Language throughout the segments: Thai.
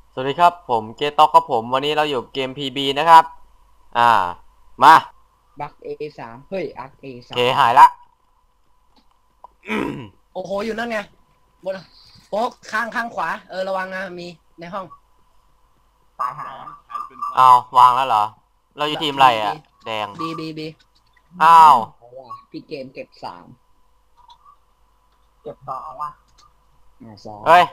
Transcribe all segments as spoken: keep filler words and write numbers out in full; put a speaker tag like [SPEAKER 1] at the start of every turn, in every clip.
[SPEAKER 1] สวัสดีครับผมเกตต็อกครับผมวันนี้เราอยู่เกม พี บี นะครับอ่ามา
[SPEAKER 2] บักเอสามเฮ้ยอักเอ
[SPEAKER 1] เค
[SPEAKER 2] สาม
[SPEAKER 1] หายละ
[SPEAKER 3] โอ้โหอยู่นั่นไงบนโป๊กข้างข้างขวาเออระวังนะมีในห้อง
[SPEAKER 2] ตายหา
[SPEAKER 1] อ้าววางแล้วเหรอเราอยู่ทีมอะไรอ่ะแดง
[SPEAKER 3] บีบีบี
[SPEAKER 1] อ้าว
[SPEAKER 2] เพราะว่าพี่เกมเก็บสามเก็บสองว่ะอ่าสอง
[SPEAKER 1] เฮ้ย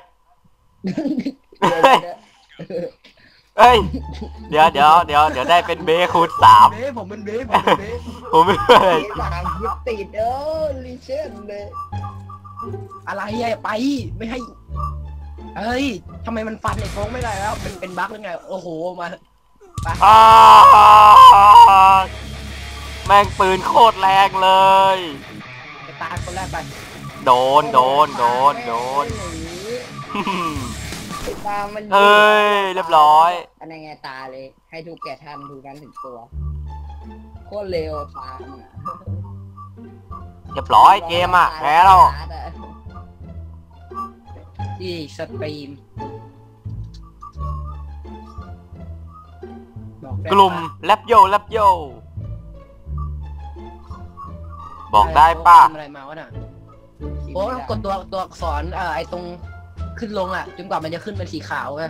[SPEAKER 1] เฮ้ยเดี๋ยวเดี๋ยวเดี๋ยวเดี๋ยวได้เป็นเบคูณสาม
[SPEAKER 3] เบ้ผมเป็นเบ้ผมเป็นเบ้
[SPEAKER 1] ผมไม่เคย
[SPEAKER 2] สามยิบติดเออลิเชนเลย
[SPEAKER 3] อะไรอะไปไม่ให้เฮ้ยทำไมมันฟันไอ้โป๊กไม่ได้แล้วเป็นเป็นบั๊กหรือไงโอ้โหมาไป
[SPEAKER 1] อ้าวแม่งปืนโคตรแรงเลย
[SPEAKER 3] ไปตายคนแรกไป
[SPEAKER 1] โดนโดนโดนโดน
[SPEAKER 2] ไอ้ตามัน
[SPEAKER 1] เฮ้ยเรียบร้อย
[SPEAKER 2] อันนี้ไงตาเลยให้ทุกแก่ทำดูกันถึงตัวโคตรเร็วตาเนี่ย
[SPEAKER 1] เรียบร้อยเกมอ่ะแพ้แล้ว
[SPEAKER 3] ที่สตรีมบอกได้
[SPEAKER 1] กลุ่มแลบโยแลบโยบอกได้ป่ะ
[SPEAKER 3] ทำอะไรมาวะน่ะโอ้ต้องกดตัวตัวอักษรเอ่อไอ้ตรงขึ้นลงอ่ะจนกว่ามันจะขึ้นเป็นสีขาวไง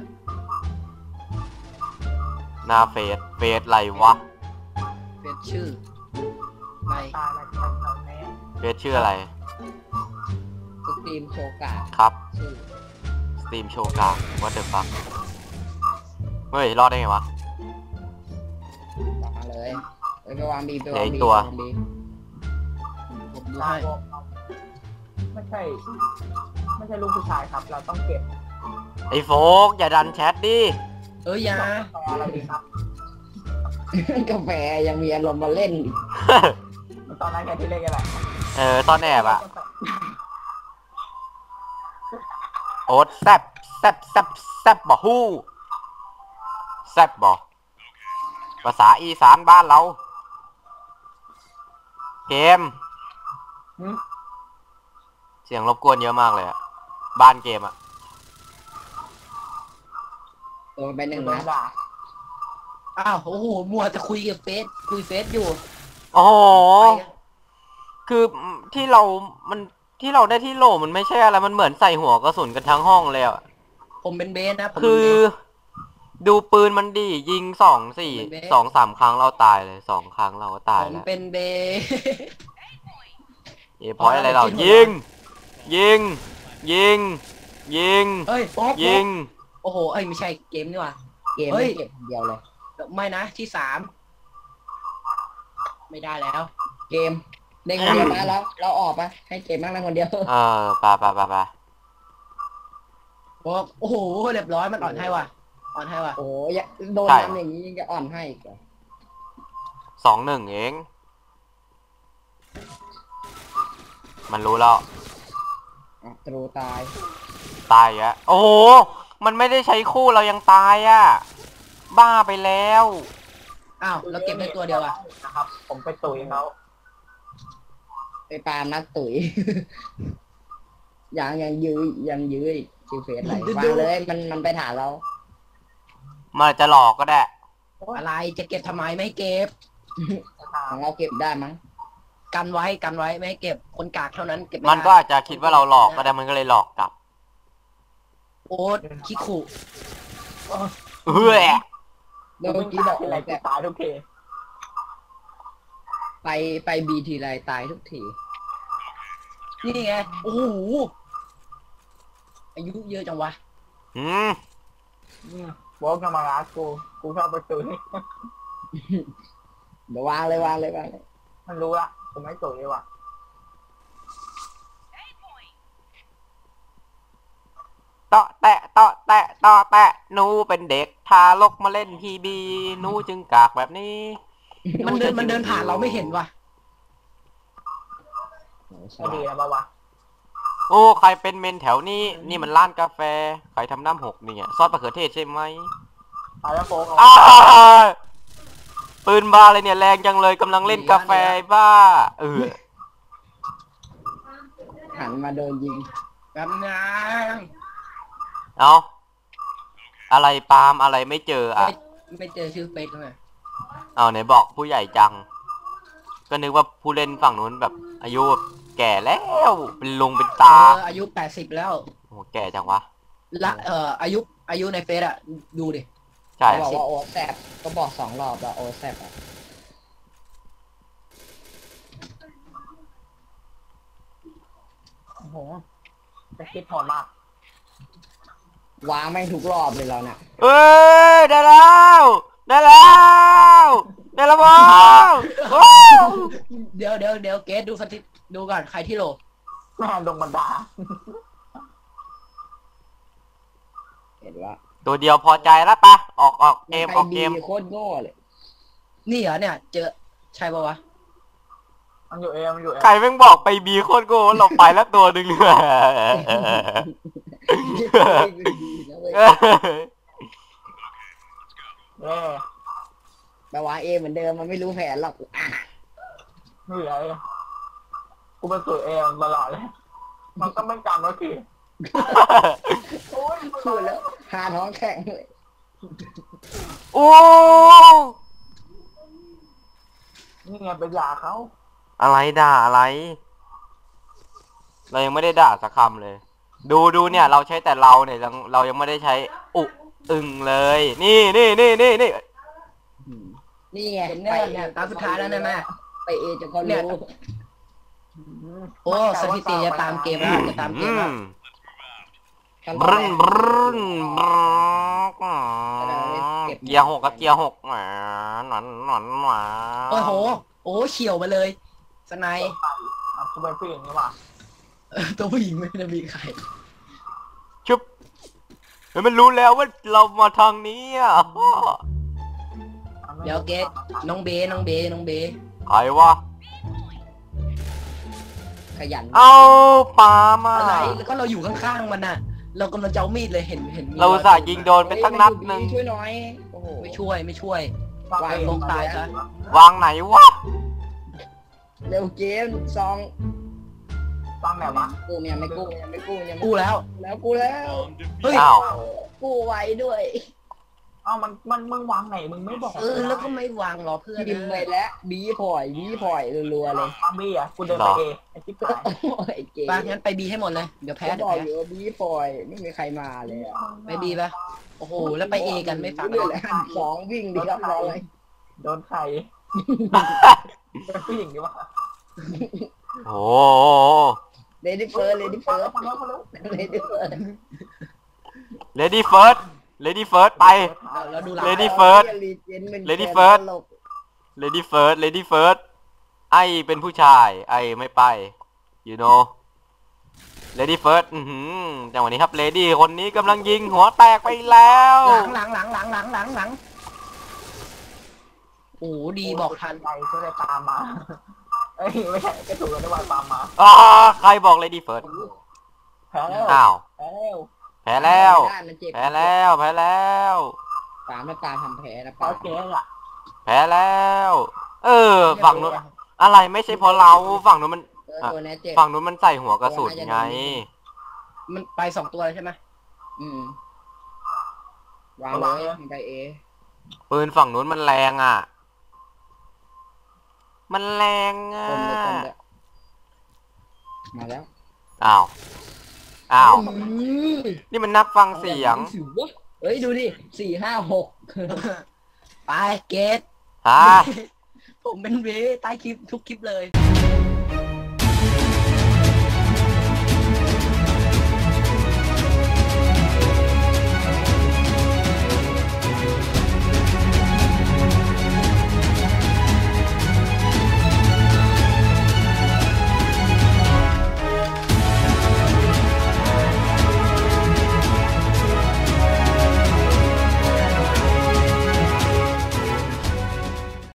[SPEAKER 1] หน้าเฟสเฟสอะไรวะ
[SPEAKER 3] เป็นชื่อไป
[SPEAKER 1] เฟสชื่ออะไร
[SPEAKER 2] สตรีมโชกา
[SPEAKER 1] ครับ
[SPEAKER 2] ชื่อ
[SPEAKER 1] สตรีมโชว์กาวัตเตอร์ฟักเฮ้ยรอดได้ไงวะ
[SPEAKER 2] วางเลยเอ้ยไปวางบีไป
[SPEAKER 1] เหลื
[SPEAKER 2] วา
[SPEAKER 1] อง อีก
[SPEAKER 2] บี
[SPEAKER 1] ตัว
[SPEAKER 2] ไปวางบี
[SPEAKER 3] ผมดูให้
[SPEAKER 4] ไม่ใช่ ไม่ใช่ลูกผู้ชายครับ เราต้องเก็บ
[SPEAKER 1] ไอ้โฟกอย่าดันแชทดิ
[SPEAKER 3] เอ้ยอยา
[SPEAKER 4] ต่อเราดีครับ
[SPEAKER 2] กาแฟยังมีอารมณ์มาเล่นอีก
[SPEAKER 4] ตอนนั้นแค่ที่เล่นกันแหละ
[SPEAKER 1] เออตอนแอบอะโอ๊ตแซบแซบแซบแซบบ่ฮู้แซบบ่ภาษาอีสานบ้านเรา เกม
[SPEAKER 4] หืม
[SPEAKER 1] เสียงรบกวนเยอะมากเลยอะบ้านเกมอะ
[SPEAKER 2] โดนไปหนึ่ง
[SPEAKER 4] โด
[SPEAKER 2] นั
[SPEAKER 4] น
[SPEAKER 2] ด
[SPEAKER 4] ด่า
[SPEAKER 3] อ้าวโอ้โหมัวจะคุยกับเฟซคุยเฟซอยู่
[SPEAKER 1] โอ้โห
[SPEAKER 3] ไปอะ
[SPEAKER 1] คือที่เรา มันที่เราได้ที่โหลมันไม่ใช่อะไร มันเหมือนใส่หัวกระสุนกันทั้งห้องเลยอะ
[SPEAKER 3] ผมเป็นเบสนะผม
[SPEAKER 1] คื
[SPEAKER 3] เป็น
[SPEAKER 1] อ
[SPEAKER 3] เบส
[SPEAKER 1] ดูปืนมันดียิงสองสี่
[SPEAKER 3] ผมเป็นเบส
[SPEAKER 1] สองสามครั้งเราตายเลยสองครั้งเราก็ตาย
[SPEAKER 3] ผม
[SPEAKER 1] แล้ว
[SPEAKER 3] เป็นเบส
[SPEAKER 1] เอพอยอะไรเรายิง ยิง ยิง ยิง
[SPEAKER 3] เฮ้ยโป๊ก
[SPEAKER 1] ยิง
[SPEAKER 3] โอ้โหเอ้ยไม่ใช่เกมนี่หว่า
[SPEAKER 2] เกม
[SPEAKER 3] เฮ้
[SPEAKER 2] ไม่
[SPEAKER 3] ย
[SPEAKER 2] เก็บคนเดียวเลย
[SPEAKER 3] ไม่นะที่สามไม่ได้แล้ว
[SPEAKER 2] เกมเล่นคนเดียวนะแล้วเราออกปะให้เกมนั่งเล่นคนเดียว
[SPEAKER 1] เออไปไปไปไป
[SPEAKER 3] โป๊กโอ้โหเรียบร้อยมันอ่อนให้ว่ะอ่อนให้ว่ะ
[SPEAKER 2] โอ้ยโดนทำอย่างนี้ยังจะอ่อนให้อีกเหรอ
[SPEAKER 1] สองหนึ่งเอง มันรู้แล้ว
[SPEAKER 2] อ่ะตรูตาย
[SPEAKER 1] ตายอ่ะโอ้โห มันไม่ได้ใช้คู่เรายังตายอ่ะ บ้าไปแล้ว
[SPEAKER 3] อ้าวเราเก็บได้ตัวเดียวอ่ะ
[SPEAKER 4] นะครับ ผมไปตุ๋ยเขา
[SPEAKER 2] ไปปาล์มนักตุ๋ย ยังยังยื้อยังยื้ออีกคิวเฟสอะไรวางเลยมันมันไปถามเรา
[SPEAKER 1] มันจะหลอกก็ได้
[SPEAKER 3] อะไรจะเก็บทำไมไม่ให้เก็บ
[SPEAKER 2] ของเราเก็บได้มั้ง
[SPEAKER 3] กันไว้กันไว้ไม่ให้เก็บคนกากเท่านั้นเก็บไม่
[SPEAKER 1] มัน
[SPEAKER 3] ได้
[SPEAKER 1] ก็อาจจะคิดว่าเราหลอกก็ได้มันก็เลยหลอกกลับ
[SPEAKER 3] โอ๊ตคิขู่
[SPEAKER 1] เฮ้ย
[SPEAKER 2] เมื่อกี้บอก
[SPEAKER 4] ที่ไร
[SPEAKER 2] แต่
[SPEAKER 4] ตายทุกที
[SPEAKER 2] ไปไปบีทีไรตายทุกที
[SPEAKER 3] นี่ไงโอ้โหอายุเยอะจังวะ
[SPEAKER 1] อืม
[SPEAKER 4] วอล์กมาลากู กูเข้าไปตุ๋ย
[SPEAKER 2] เดี๋ยววางเลยวางเลยวางเลย
[SPEAKER 4] มันรู้ละผมไม่ตุ๋ยเลยว่ะ
[SPEAKER 1] เตาะแตะเตาะแตะเตาะแตะหนูเป็นเด็กทารกมาเล่นพีบีหนูจึงกากแบบนี้
[SPEAKER 3] มันเดินมันเดินผ่านเราไม่เห็นว่ะ
[SPEAKER 2] โอ้ฉ
[SPEAKER 4] ไม่ดี
[SPEAKER 2] ลาด
[SPEAKER 4] แล้วปะวะ
[SPEAKER 1] โอ้ใครเป็นเมนแถวนี้ นี่มันร้านกาแฟใครทำน้ำหกเนี่ยซอสมะเขือเทศใช่ไหม
[SPEAKER 4] ตายแล้วโฟก
[SPEAKER 1] อ้าปืนบ้าเลยเนี่ยแรงจังเลยกำลังเล่นกาแฟบ้าเออ
[SPEAKER 2] หันมาโดนยิง
[SPEAKER 3] แบบนั้น
[SPEAKER 1] เอาออะไรปาล์มอะไรไม่เจออ่ะ
[SPEAKER 3] ไม่ไม่เจอชื่อเฟซเลย
[SPEAKER 1] เอาไหนบอกผู้ใหญ่จัง ก็นึกว่าผู้เล่นฝั่งนู้นแบบ อายุแบบแก่แล้วเป็นลุงเป็น
[SPEAKER 3] เอ
[SPEAKER 1] ตา
[SPEAKER 3] ออายุแปดสิบแล้ว
[SPEAKER 1] โอ้แก่จังวะ
[SPEAKER 3] ละเอ่ออายุอายุในเฟซอะดูดิ
[SPEAKER 1] ใช่
[SPEAKER 2] บอกว่าโอแซบก็บอกสองรอบแล้วโอแซบอ่ะโอ้โห
[SPEAKER 4] จะคิดโหดมาก
[SPEAKER 2] วางไม่งทุกรอบเลยเราเนี่ย
[SPEAKER 1] เอ้ยได้แล้วได้แล้วได้แล้วว้าวว้าว
[SPEAKER 3] เดี๋ยวเดี๋ยวเดี๋ยวเกสดูสถิติดูก่อนใครที่โหล
[SPEAKER 4] แม่ดงบันดา
[SPEAKER 2] เห็นว่า
[SPEAKER 1] ตัวเดียวพอใจแล้วปะออกออกเกมออกเกม
[SPEAKER 2] ใครดีโคตรโง่เลย
[SPEAKER 3] นี่เหรอเนี่ย เจอใช่ปะวะ
[SPEAKER 4] มันอยู่เอมันอยู่เอ
[SPEAKER 1] ใครแม่งบอกไปบีโคตรโง่เราไปแล้วตัวหนึ่งเลย
[SPEAKER 4] เออ
[SPEAKER 2] แปลว่าเอเหมือนเดิมมันไม่รู้แผนหรอกอ่ะ
[SPEAKER 4] ไม่เหลือเลยกูเป็นตัวเอมันตลอดเลย มันก็ไม่จำแล้วทีโอ้ย
[SPEAKER 2] พูดแล้วหาท้องแข็งเลย
[SPEAKER 1] โอ้
[SPEAKER 4] นี่ไงเป็นยาเขา
[SPEAKER 1] อะไรด่าอะไร เรายังไม่ได้ด่าสักคำเลย ดูดูเนี่ย เราใช้แต่เราเนี่ยเราเรายังไม่ได้ใช้อุอึงเลย นี่นี่นี่นี่นี่
[SPEAKER 2] นี่ไง
[SPEAKER 3] เห็นเนี่ยเนี่ยตามสุดท้ายแล้วนะแม่
[SPEAKER 2] ไปเอจะก็
[SPEAKER 3] เนี่ย
[SPEAKER 2] รู้
[SPEAKER 3] โอ้สถิติจะตามเกมแล้วจะตามเก
[SPEAKER 1] อื
[SPEAKER 3] มแล้ว
[SPEAKER 1] ม
[SPEAKER 2] ขั้น
[SPEAKER 1] บ
[SPEAKER 2] ตอน
[SPEAKER 1] รึ้
[SPEAKER 2] แร
[SPEAKER 1] น
[SPEAKER 2] ก
[SPEAKER 1] บรึ้นบรึ้นเกียร์หกกับเกียร์หกแหมหนอนหนอนหมา
[SPEAKER 3] โอ้โหโอ้เฉียวมาเลยสไนป์
[SPEAKER 4] ไปอ่ะกูเป็นผู้หญิงนี่หว่า
[SPEAKER 3] เออตัวผู้หญิงไม่ได้มีใคร
[SPEAKER 1] ชุบเฮ้ยมันรู้แล้วว่าเรามาทางนี้อ่ะ
[SPEAKER 3] เดี๋ยวเกสน้องเบน้องเบน้องเบ
[SPEAKER 1] ใครวะ
[SPEAKER 2] ขยัน
[SPEAKER 1] เอาปลามา
[SPEAKER 3] อะไรแล้วก็เราอยู่ข้างๆมันน่ะ เรากำลังจะเอามีดเลยเห็นเห็นมี
[SPEAKER 1] เราอุตสาห์ยิงโดนไปสักนัดหนึ่ง
[SPEAKER 2] ช่วยหน่อยโอ้โห
[SPEAKER 3] ไม่ช่วยไม่ช่วย
[SPEAKER 4] ฟัง
[SPEAKER 3] วาง
[SPEAKER 4] เอง
[SPEAKER 3] ลงตายซะ
[SPEAKER 1] วางไหนวะ
[SPEAKER 2] เร็วเกมซอง
[SPEAKER 4] ฟังไหนวะ
[SPEAKER 2] กูยังไม่กู้ยังไม่กู้ยังไม่
[SPEAKER 3] กูแล้ว
[SPEAKER 2] แล้วกูแล้ว
[SPEAKER 3] เฮ้ย
[SPEAKER 1] อ้าว
[SPEAKER 2] กู้ไว้ด้วย
[SPEAKER 4] เอ้ามันมันมึงวางไหนมึงไม่บอก
[SPEAKER 3] เออแล้วก็ไม่วางรอเพื่อน
[SPEAKER 2] พิมพ์ไปแล้วบีพอยบีพอยรัวๆเลย
[SPEAKER 4] ฟังบี้อ่ะกูเดินไปเอไอ้จิ๊บหาย
[SPEAKER 2] โอ้ยเกม
[SPEAKER 3] ปะงั้นไปบีให้หมดเลยเดี๋ยวแพ้
[SPEAKER 2] ก็
[SPEAKER 3] เดี๋
[SPEAKER 2] บ
[SPEAKER 3] ยว
[SPEAKER 2] อก
[SPEAKER 3] แพ้
[SPEAKER 2] อยู่ว่าบีพอยไม่มีใครมาเลยอะ
[SPEAKER 3] ไปบีปะโอ้โหแล้วไปเอกันไม่ฟัง
[SPEAKER 2] เรื่อยๆหันสองวิ่งดีครับรอเลย
[SPEAKER 4] โดนใครเป็นผู้หญิงดีวะ
[SPEAKER 1] โอ้
[SPEAKER 2] เลดี้เฟิร์สเลดี้
[SPEAKER 4] ฟัง
[SPEAKER 2] เฟิร์
[SPEAKER 4] แล้
[SPEAKER 2] ส
[SPEAKER 4] วฟังแล้วฟังแล้ว
[SPEAKER 2] เลดี้เฟิร์ส
[SPEAKER 1] เลดี้เฟิร์สเลดี้เฟิร์สไป
[SPEAKER 3] แล้วดูหลัง
[SPEAKER 1] Lady First Lady First
[SPEAKER 2] ตลก
[SPEAKER 1] เลดี้เฟิร์สเลดี้เฟิร์สไอเป็นผู้ชาย ไอไม่ไป you know เลดี้เฟิร์สอือหือจังหวะนี้ครับเลดี้คนนี้กำลังยิงหัวแตกไปแล้ว
[SPEAKER 3] หลังหลังหลังหลังหลังหลังหลังโอ้โหดีบอกทัน
[SPEAKER 4] ใจช่วยได้ตามมาเอ้ยไม่ใช่ก็ถูกแล้วได้ว่าตามมา
[SPEAKER 1] อ๋อใครบอกเลดี้เฟิร์ส
[SPEAKER 4] แพ้แล้ว
[SPEAKER 1] อ้าว
[SPEAKER 4] แพ้แล้ว
[SPEAKER 1] แพ้แล้ว
[SPEAKER 2] ด้านมันเจ็บ
[SPEAKER 1] แพ้แล้วแพ้แล้ว
[SPEAKER 2] ปามแล้วปาทำแผลนะ
[SPEAKER 4] แพ้
[SPEAKER 2] ปา
[SPEAKER 4] เจ๊อ่ะ
[SPEAKER 1] แพ้แล้ว เออฝั่งนู้นอะไรไม่ใช่เพราะเราฝั่งนู้นมัน
[SPEAKER 2] เออตัวนี้เจ็บ
[SPEAKER 1] ฝั่งนู้นมันใส่หัวกระสุนไง
[SPEAKER 3] มันไปสองตัวเลยใช่ไหม
[SPEAKER 2] อืมวางเลยมันไปเอ
[SPEAKER 1] ปืนฝั่งนู้นมันแรงอ่ะ มันแรงอ่ะ
[SPEAKER 2] คมเลยคมเลยมาแล้ว
[SPEAKER 1] อ้าว อ้าว
[SPEAKER 2] อืม
[SPEAKER 1] นี่มันนับฟังเสียง
[SPEAKER 2] สิวะเฮ้ยดูดิสี่ห้าหก
[SPEAKER 3] ไปเกต
[SPEAKER 1] ฮะ
[SPEAKER 3] ผมเป็นเวใต้คลิปทุกคลิปเลย